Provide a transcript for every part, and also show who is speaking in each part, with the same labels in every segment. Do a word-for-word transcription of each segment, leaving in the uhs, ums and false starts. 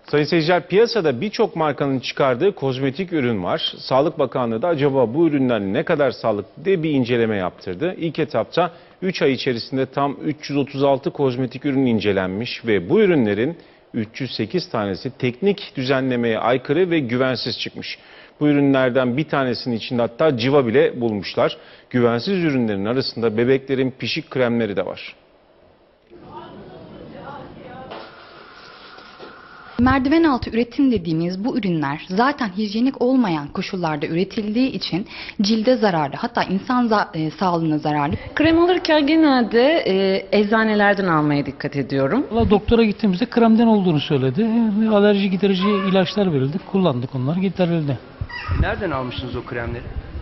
Speaker 1: Sayın seyirciler, piyasada birçok markanın çıkardığı kozmetik ürün var. Sağlık Bakanlığı da acaba bu ürünler ne kadar sağlıklı diye bir inceleme yaptırdı. İlk etapta üç ay içerisinde tam üç yüz otuz altı kozmetik ürün incelenmiş ve bu ürünlerin üç yüz sekiz tanesi teknik düzenlemeye aykırı ve güvensiz çıkmış. Bu ürünlerden bir tanesinin içinde hatta civa bile bulmuşlar. Güvensiz ürünlerin arasında bebeklerin pişik kremleri de var.
Speaker 2: Merdiven altı üretim dediğimiz bu ürünler zaten hijyenik olmayan koşullarda üretildiği için cilde zararlı, hatta insan za e, sağlığına zararlı.
Speaker 3: Krem alırken genelde e, eczanelerden almaya dikkat ediyorum.
Speaker 4: Valla doktora gittiğimizde kremden olduğunu söyledi. E, Alerji giderici ilaçlar verildi. Kullandık, onlar giderildi.
Speaker 5: Nereden almışsınız o kremleri?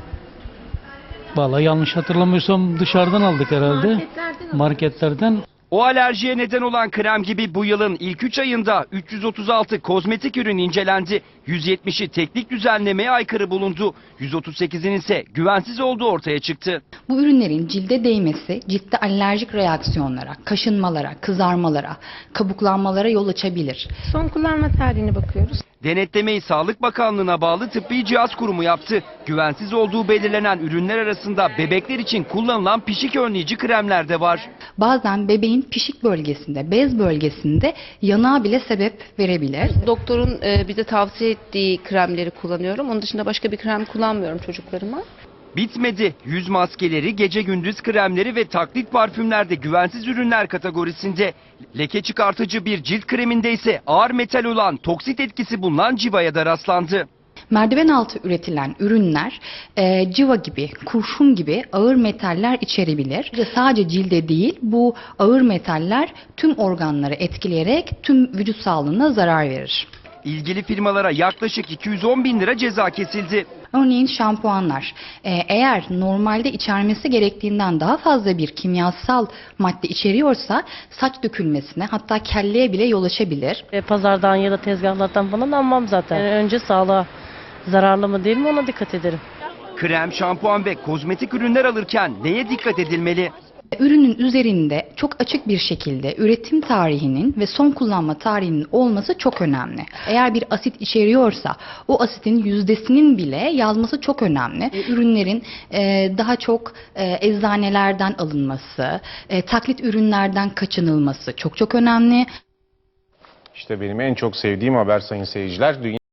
Speaker 4: Valla yanlış hatırlamıyorsam dışarıdan aldık herhalde.
Speaker 3: Marketlerden.
Speaker 4: Marketlerden.
Speaker 5: O alerjiye neden olan krem gibi bu yılın ilk üç ayında üç yüz otuz altı kozmetik ürün incelendi. yüz yetmişi teknik düzenlemeye aykırı bulundu. yüz otuz sekizinin ise güvensiz olduğu ortaya çıktı.
Speaker 2: Bu ürünlerin cilde değmesi ciltte alerjik reaksiyonlara, kaşınmalara, kızarmalara, kabuklanmalara yol açabilir.
Speaker 6: Son kullanma tarihine bakıyoruz.
Speaker 5: Denetlemeyi Sağlık Bakanlığı'na bağlı Tıbbi Cihaz Kurumu yaptı. Güvensiz olduğu belirlenen ürünler arasında bebekler için kullanılan pişik önleyici kremler de var.
Speaker 2: Bazen bebeğin pişik bölgesinde, bez bölgesinde yanığa bile sebep verebilir.
Speaker 6: Doktorun e, bize tavsiye ettiği kremleri kullanıyorum. Onun dışında başka bir krem kullanmıyorum çocuklarıma.
Speaker 5: Bitmedi. Yüz maskeleri, gece gündüz kremleri ve taklit parfümler de güvensiz ürünler kategorisinde. Leke çıkartıcı bir cilt kreminde ise ağır metal olan toksit etkisi bulunan civaya da rastlandı.
Speaker 2: Merdiven altı üretilen ürünler e, civa gibi, kurşun gibi ağır metaller içerebilir. Sadece cilde değil, bu ağır metaller tüm organları etkileyerek tüm vücut sağlığına zarar verir.
Speaker 5: İlgili firmalara yaklaşık iki yüz on bin lira ceza kesildi.
Speaker 2: Örneğin şampuanlar e, eğer normalde içermesi gerektiğinden daha fazla bir kimyasal madde içeriyorsa saç dökülmesine, hatta kelleye bile yol açabilir.
Speaker 7: E, pazardan ya da tezgahlardan falan almam zaten. E, önce sağlığa zararlı mı değil mi ona dikkat ederim.
Speaker 5: Krem, şampuan ve kozmetik ürünler alırken neye dikkat edilmeli?
Speaker 2: Ürünün üzerinde çok açık bir şekilde üretim tarihinin ve son kullanma tarihinin olması çok önemli. Eğer bir asit içeriyorsa o asitin yüzdesinin bile yazması çok önemli. Ürünlerin e, daha çok e, eczanelerden alınması, e, taklit ürünlerden kaçınılması çok çok önemli.
Speaker 1: İşte benim en çok sevdiğim haber sayın seyirciler. Dünya